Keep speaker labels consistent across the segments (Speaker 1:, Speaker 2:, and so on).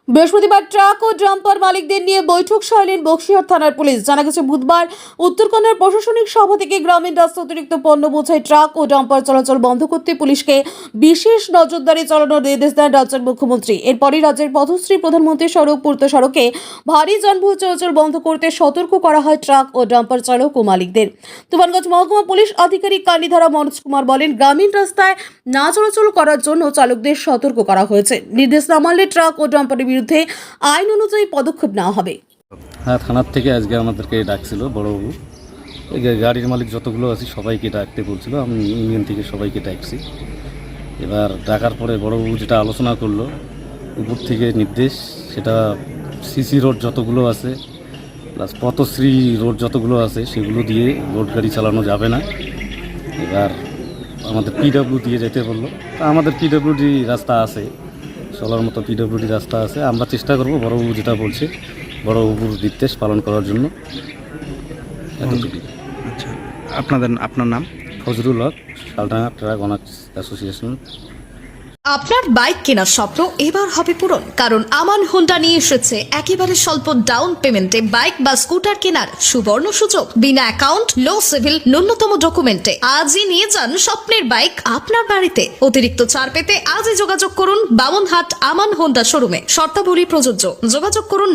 Speaker 1: বৃহস্পতিবার ট্রাক ও ডাম্পার মালিকদের নিয়ে বৈঠক সারলেন বক্সিহাট থানার পুলিশ। জানা গেছে, বুধবার উত্তরকন্যার প্রশাসনিক সভা থেকে গ্রামীণ রাস্তা অতিরিক্ত পণ্য বোঝাই ট্রাক ও ডাম্পার চলাচল বন্ধ করতে পুলিশকে বিশেষ নজরদারি চালানোর নির্দেশ দেন রাজ্যের মুখ্যমন্ত্রী। এরপরই রাজ্যের পথশ্রী প্রধানমন্ত্রী সড়ক পূর্ত সড়কে ভারী যানবাহন চলাচল বন্ধ করতে সতর্ক করা হয় ট্রাক ও ডাম্পার চালক ও মালিকদের। তুফানগঞ্জ মহকুমা পুলিশ আধিকারিক কান্নিধারা মনোজ কুমার বলেন, গ্রামীণ রাস্তায় না চলাচল করার জন্য চালকদের সতর্ক করা হয়েছে। নির্দেশ না মানলে ট্রাক ও ডাম্পারের বিরুদ্ধে আইন অনুযায়ী পদক্ষেপ নেওয়া হবে।
Speaker 2: হ্যাঁ, থানার থেকে আজকে আমাদেরকে ডাকছিল বড়বাবু। এই গাড়ির মালিক যতগুলো আছে সবাইকে ডাকতে বলছিল, আমি ইউনিয়ন থেকে সবাইকে ডাকছি। এবার ডাকার পরে বড়বাবু যেটা আলোচনা করলো উপর থেকে নির্দেশ, সেটা সিসি রোড যতগুলো আছে প্লাস পথশ্রী রোড যতগুলো আছে সেগুলো দিয়ে রোড গাড়ি চালানো যাবে না। এবার আমাদের পিডব্লিউ দিয়ে যেতে বললো। তা আমাদের পিডব্লিউডি রাস্তা আছে, চলার মতো পিডব্লিউডি রাস্তা আছে। আমরা চেষ্টা করব বড়বাবু যেটা বলছে বড়বাবুর নির্দেশ পালন করার জন্য।
Speaker 3: আচ্ছা, আপনার নাম?
Speaker 2: Fazrul Haque, Shaldanga truck owners association.
Speaker 4: আপনার বাইক কেনার স্বপ্ন এবার হবে পূরণ, কারণ আমান হোন্ডা নিয়ে এসেছে একেবারে স্বল্প ডাউন পেমেন্টে বাইক বা স্কুটার কেনার সুবর্ণ সুযোগ। বিনা অ্যাকাউন্ট, লো সিভিল, ন্যূনতম ডকুমেন্টে আজই নিয়ে যান স্বপ্নের বাইক আপনার বাড়িতে। অতিরিক্ত ছাড় পেতে আজই যোগাযোগ করুন বামনহাট আমান হোন্ডা শোরুমে। শর্তাবলী প্রযোজ্য। যোগাযোগ করুন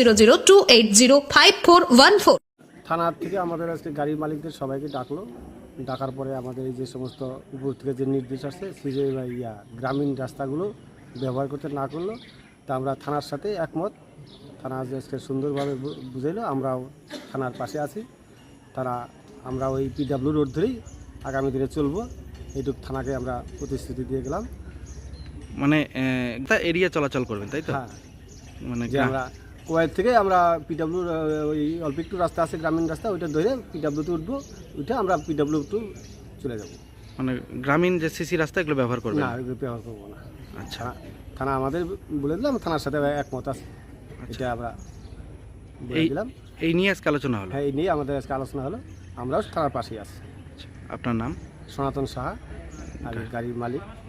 Speaker 4: 9002805414।
Speaker 5: থানার থেকে আমাদের আজকে গাড়ির মালিকদের সবাইকে ডাকলো। ডাকার পরে আমাদের এই যে সমস্ত উপর থেকে যে নির্দেশ আসছে গ্রামীণ রাস্তাগুলো ব্যবহার করতে না করলো, তা আমরা থানার সাথে একমত। থানা আজকে সুন্দরভাবে বুঝাইলো, আমরাও থানার পাশে আছি। আমরা ওই পিডব্লিউ রোড ধরেই আগামী দিনে চলবো, এইটুকু থানাকে আমরা প্রতিশ্রুতি দিয়ে গেলাম।
Speaker 3: মানে একটা এরিয়া চলাচল করবেন, তাই তো?
Speaker 5: হ্যাঁ,
Speaker 3: মানে
Speaker 5: যে আমরা কোয়ের থেকে আমরা পিডব্লিউ ওই অল্প একটু রাস্তা আছে গ্রামীণ রাস্তা, ওইটা ধরে পিডব্লিউতে উঠবো, ওইটা আমরা পিডব্লিউ টু চলে যাবো।
Speaker 3: মানে গ্রামীণ যে সিসি রাস্তা এগুলো ব্যবহার করবেন
Speaker 5: না, এগুলো ব্যবহার করবো না।
Speaker 3: আচ্ছা,
Speaker 5: থানা আমাদের বলে দিলাম, থানার সাথে একমত আছে, এটা আমরা বলে দিলাম।
Speaker 3: এই নিয়ে আজকে আলোচনা হলো।
Speaker 5: হ্যাঁ, এই নিয়ে আমাদের আজকে আলোচনা হলো। আমরাও থানার পাশেই আছি।
Speaker 3: আপনার নাম?
Speaker 5: সনাতন সাহা, আর গাড়ির মালিক।